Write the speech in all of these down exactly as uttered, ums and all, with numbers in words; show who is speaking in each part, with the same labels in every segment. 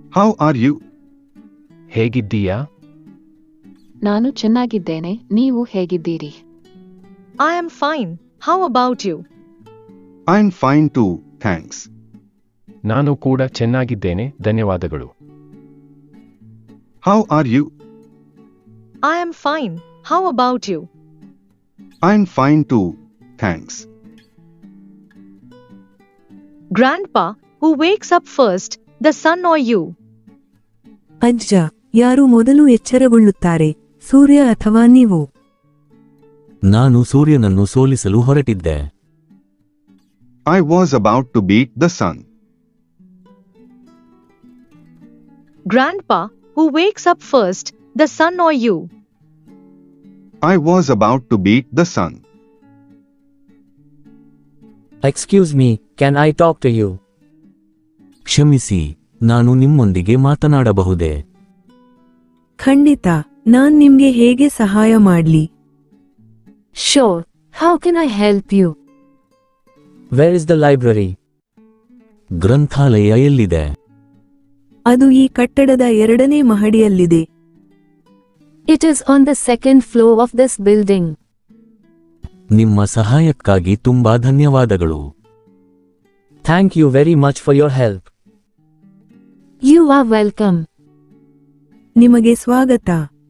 Speaker 1: How are you?
Speaker 2: ಹೇಗಿದ್ದೀಯಾ?
Speaker 3: ನಾನು ಚೆನ್ನಾಗಿದ್ದೇನೆ, ನೀವು ಹೇಗಿದ್ದೀರಿ?
Speaker 4: I am fine. How about you?
Speaker 1: I'm fine too, thanks.
Speaker 2: ನಾನು ಕೂಡ ಚೆನ್ನಾಗಿದ್ದೇನೆ, ಧನ್ಯವಾದಗಳು.
Speaker 1: How are you?
Speaker 4: I am fine. How about you?
Speaker 1: I'm fine too, thanks.
Speaker 4: Grandpa, who wakes up first, the sun or you?
Speaker 5: ಅಜ್ಜ, ಯಾರು ಮೊದಲು ಎಚ್ಚರಗೊಳ್ಳುತ್ತಾರೆ, ಸೂರ್ಯ ಅಥವಾ ನೀವು?
Speaker 6: ನಾನು ಸೂರ್ಯನನ್ನು ಸೋಲಿಸಲು ಹೊರಟಿದ್ದೆ.
Speaker 1: I was about to beat the sun.
Speaker 4: Grandpa, who wakes up first, the sun or you?
Speaker 1: I was about to beat the sun.
Speaker 7: Excuse me, can I talk to you?
Speaker 6: ಕ್ಷಮಿಸಿ, ನಾನು ನಿಮ್ಮೊಂದಿಗೆ ಮಾತನಾಡಬಹುದೇ?
Speaker 5: ಖಂಡಿತ, ನಾನ್ ನಿಮ್ಗೆ ಹೇಗೆ ಸಹಾಯ ಮಾಡ್ಲಿ?
Speaker 3: Sure, how can I help you?
Speaker 7: Where is the library?
Speaker 6: ಗ್ರಂಥಾಲಯ ಎಲ್ಲಿದೆ?
Speaker 5: ಅದು ಈ ಕಟ್ಟಡದ ಎರಡನೇ ಮಹಡಿಯಲ್ಲಿದೆ.
Speaker 3: It is on the second floor of this building.
Speaker 6: ನಿಮ್ಮ ಸಹಾಯಕ್ಕಾಗಿ ತುಂಬಾ ಧನ್ಯವಾದಗಳು.
Speaker 7: Thank you very much for your help.
Speaker 3: You are welcome.
Speaker 5: ನಿಮಗೆ ಸ್ವಾಗತ.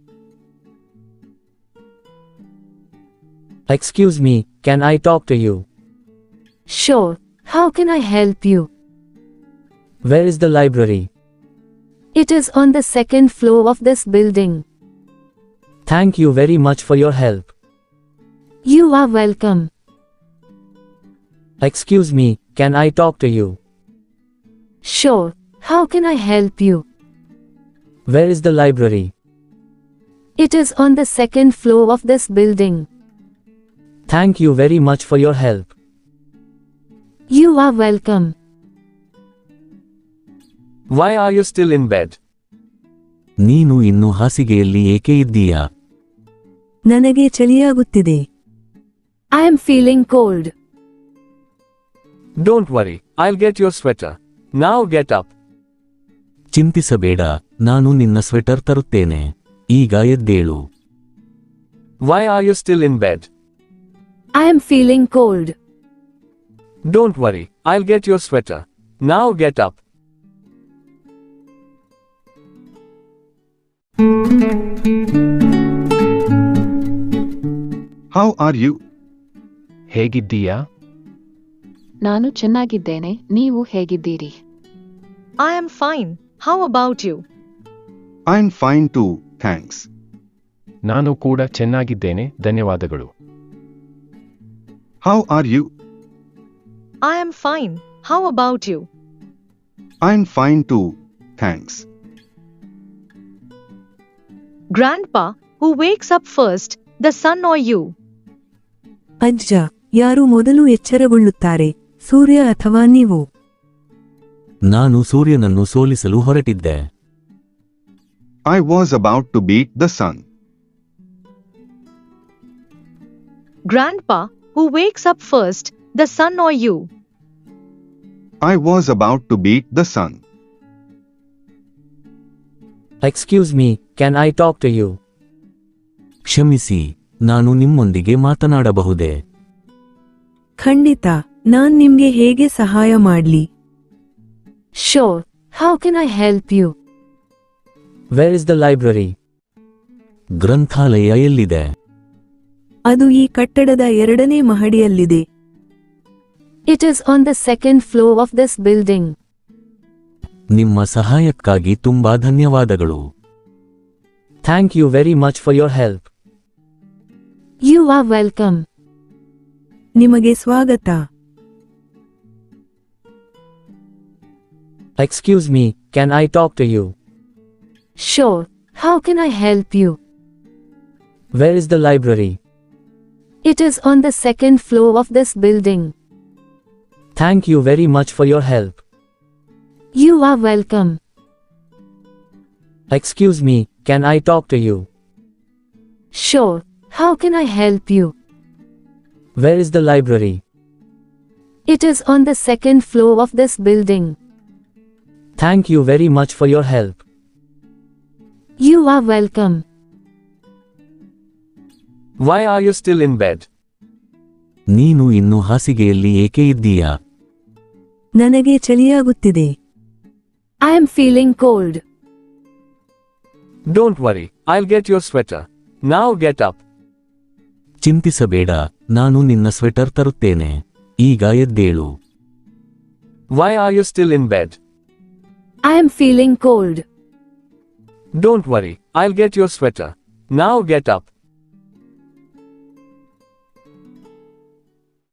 Speaker 7: Excuse me, can I talk to you?
Speaker 3: Sure, how can I help you?
Speaker 7: Where is the library?
Speaker 3: It is on the second floor of this building.
Speaker 7: Thank you very much for your help.
Speaker 3: You are welcome.
Speaker 7: Excuse me, can I talk to you?
Speaker 3: Sure, how can I help you?
Speaker 7: Where is the library?
Speaker 3: It is on the second floor of this building.
Speaker 7: Thank you very much for your help.
Speaker 3: You are welcome.
Speaker 2: Why are you still in bed?
Speaker 6: ನೀನು ಇನ್ನು ಹಾಸಿಗೆಯಲ್ಲಿ ಏಕೆ ಇದ್ದೀಯಾ?
Speaker 5: ನನಗೆ ಚಳಿಯಾಗುತ್ತಿದೆ.
Speaker 3: I am feeling cold.
Speaker 2: Don't worry, I'll get your sweater. Now get up.
Speaker 6: ಚಿಂತಿಸಬೇಡ, ನಾನು ನಿನ್ನ sweater ತರುತ್ತೇನೆ. ಈಗ ಎದ್ದೇಳು.
Speaker 2: Why are you still in bed?
Speaker 3: I am feeling cold.
Speaker 2: Don't worry, I'll get your sweater. Now get up.
Speaker 1: How are you?
Speaker 2: ಹೇಗಿದ್ದೀಯಾ?
Speaker 3: ನಾನು ಚೆನ್ನಾಗಿದ್ದೇನೆ, ನೀವು ಹೇಗಿದ್ದೀರಿ?
Speaker 4: I am fine. How about you?
Speaker 1: I'm fine too, thanks.
Speaker 2: ನಾನು ಕೂಡ ಚೆನ್ನಾಗಿದ್ದೇನೆ, ಧನ್ಯವಾದಗಳು.
Speaker 1: How are you?
Speaker 4: I am fine. How about you?
Speaker 1: I'm fine too, thanks.
Speaker 4: Grandpa, who wakes up first, the sun or you?
Speaker 5: ಅಜ್ಜ, ಯಾರು ಮೊದಲು ಎಚ್ಚರಗೊಳ್ಳುತ್ತಾರೆ, ಸೂರ್ಯ ಅಥವಾ ನೀವು?
Speaker 6: ನಾನು ಸೂರ್ಯನನ್ನು ಸೋಲಿಸಲು ಹೊರಟಿದ್ದೆ.
Speaker 1: I was about to beat the sun.
Speaker 4: Grandpa, who wakes up first, the sun or you?
Speaker 1: I was about to beat the sun.
Speaker 7: Excuse me, can I talk to you?
Speaker 6: ಕ್ಷಮಿಸಿ, ನಾನು ನಿಮ್ಮೊಂದಿಗೆ ಮಾತನಾಡಬಹುದೇ?
Speaker 5: ಖಂಡಿತ, ನಾನ್ ನಿಮ್ಗೆ ಹೇಗೆ ಸಹಾಯ ಮಾಡ್ಲಿ?
Speaker 3: Sure, how can I help you?
Speaker 7: Where is the library?
Speaker 6: ಗ್ರಂಥಾಲಯ ಎಲ್ಲಿದೆ?
Speaker 5: ಅದು ಈ ಕಟ್ಟಡದ ಎರಡನೇ ಮಹಡಿಯಲ್ಲಿದೆ.
Speaker 3: It is on the second floor of this building.
Speaker 6: ನಿಮ್ಮ ಸಹಾಯಕ್ಕಾಗಿ ತುಂಬಾ ಧನ್ಯವಾದಗಳು.
Speaker 7: Thank you very much for your help.
Speaker 3: You are welcome.
Speaker 5: ನಿಮಗೆ ಸ್ವಾಗತ.
Speaker 7: Excuse me, can I talk to you?
Speaker 3: Sure, how can I help you?
Speaker 7: Where is the library?
Speaker 3: It is on the second floor of this building.
Speaker 7: Thank you very much for your help.
Speaker 3: You are welcome.
Speaker 7: Excuse me, can I talk to you?
Speaker 3: Sure, how can I help you?
Speaker 7: Where is the library?
Speaker 3: It is on the second floor of this building.
Speaker 7: Thank you very much for your help.
Speaker 3: You are welcome.
Speaker 2: Why are you still in bed?
Speaker 6: ನೀನು ಇನ್ನು ಹಾಸಿಗೆಯಲ್ಲಿ ಏಕೆ ಇದ್ದೀಯಾ?
Speaker 5: ನನಗೆ ಚಳಿಯಾಗುತ್ತಿದೆ.
Speaker 3: I am feeling cold.
Speaker 2: Don't worry, I'll get your sweater. Now get up.
Speaker 6: ಚಿಂತಿಸಬೇಡ, ನಾನು ನಿನ್ನ sweater ತರುತ್ತೇನೆ. ಈಗ ಎದ್ದೇಳು.
Speaker 2: Why are you still in bed?
Speaker 3: I am feeling cold.
Speaker 2: Don't worry, I'll get your sweater. Now get up.